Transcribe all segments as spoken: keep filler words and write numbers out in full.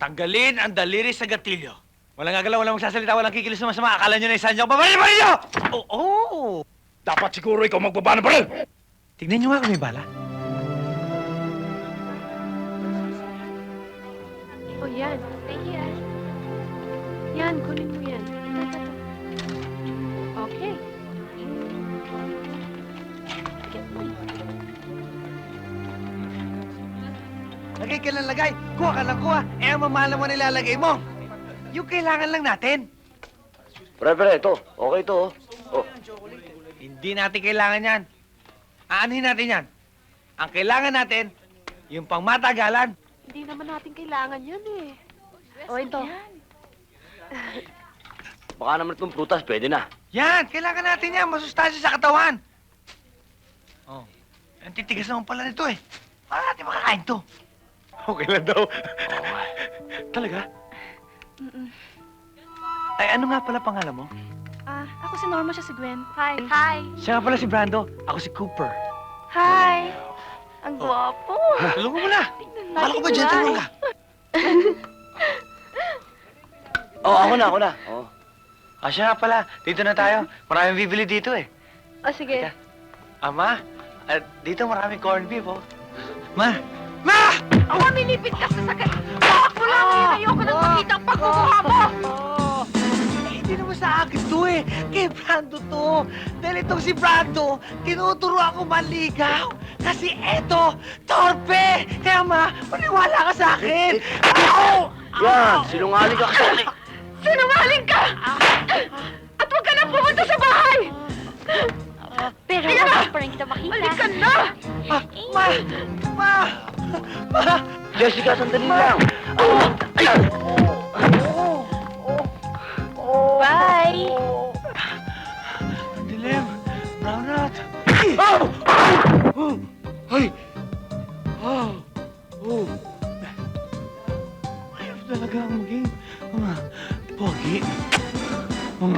Tanggalin ang daliri sa gatilyo. Walang gagalaw, walang magsasalita, walang kikilos na masama. Akala nyo na isan nyo. Babaril pa ninyo! Oo! Oh, Dapat siguro ikaw magbaba ng baril! tignan nyo nga kung may bala. Oh, yan. Ayan. Yan, kunin mo yan. Okay. Lagay ka lang lagay. Kuha ka lang kuha. Eh, ang mamahal mo nilalagay mo. Yung kailangan lang natin. Pre, pre, ito. Okay ito, oh. Oh. Hindi natin kailangan yan. Aanhin natin yan. Ang kailangan natin, yung pangmatagalan. Hindi naman natin kailangan yan eh. O, ito. Baka naman itong prutas, pwede na. Yan, kailangan natin yan. Masustansya sa katawan. Oh. Ang titigas naman pala nito eh. Paano natin makakain to? Okay lang daw. Oo nga. Talaga? Mm-mm. Ay, ano nga pala pangalan mo? Ah, ako si Norma, siya si Gwen. Hi. Hi. Siya nga pala si Brando. Ako si Cooper. Hi. Ang gwapo. Tulungan mo na. Tingnan Akala ko ba gentleman ka? Oh, ako na, ako na. Oh. Ah, siya nga pala. Dito na tayo. Maraming bibili dito eh. O, sige. Teka. Ama, at dito maraming corned beef, oh. Ma! Ma! Oh, mamilipit ka sa sakit. Bakit mo lang yun? Ayoko nang makita ang pagkukuha mo. Oh! Eh, hindi naman sa akin to eh. Kay Brando to. Dahil itong si Brando, tinuturo ako manligaw. Kasi eto, torpe! Kaya ma, maniwala ka sa akin! Ow! Yan, sinungaling ka kasi. Sinungaling ka! At huwag ka na pumunta sa bahay! Pero Hindi pa rin kita makita. Balikan na! Ah, ma! Ma! Ma! Jessica, sandali lang. Oh, ay! Bye! Dilim! Brown rat! Oh! Oh! Ay! Oh! Oh! Mahirap talaga ang maging uh, pogi. Um.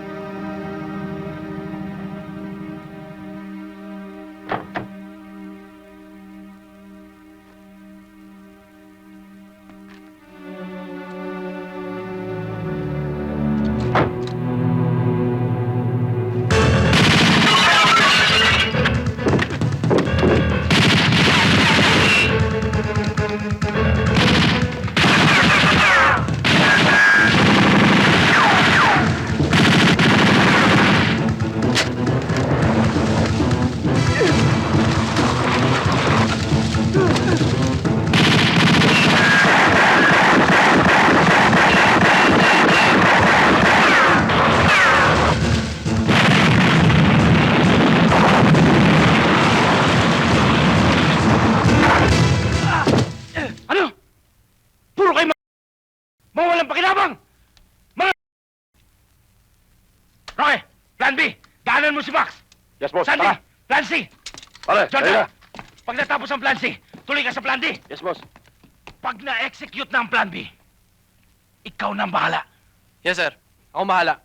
Ano? Puro kayo ma... mga walang pakinabang! Mga... Roque, plan B, daanan mo si Max. Yes, boss. Sandy, Tara. plan C. Pare, John, tayo na. pag natapos ang plan C, tuloy ka sa plan D. Yes, boss. Pag na-execute na ang plan B, ikaw na ang bahala. Yes, sir. Ako mahala.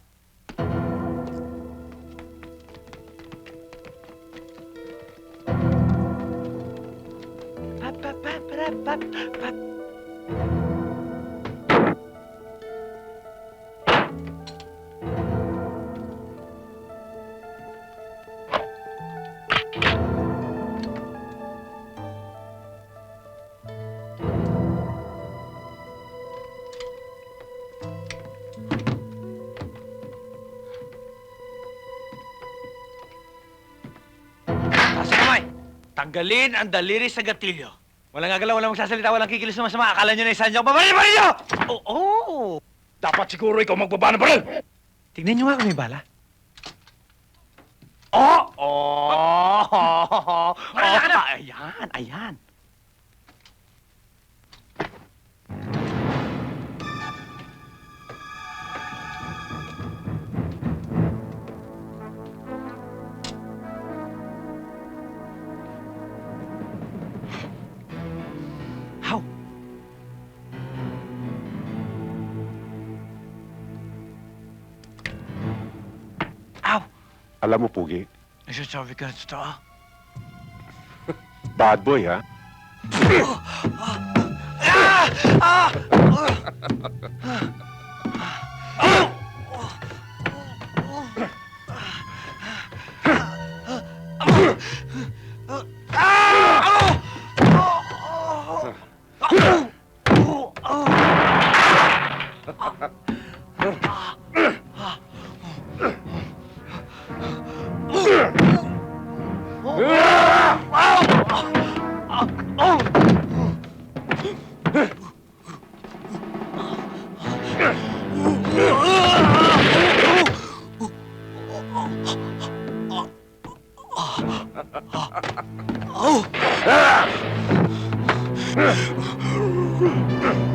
Pap, pap, pap, pap, pap, pap. Taas ang kamay. Tanggalin ang daliri sa gatilyo. Walang gagalaw, walang magsasalita, walang kikilos na masama. Akala nyo na isan nyo. Babaril pa ninyo! Oo! Oh, Dapat siguro ikaw magbaba ng baril! tignan nyo nga kung may bala. Oh! Oh! Oh! Wala ka na! Ayan, ayan. How? Ow! Alam mo, Pugi, Nagsasabi ka na totoo. bad boy, ha? Ah! Ah! Ah!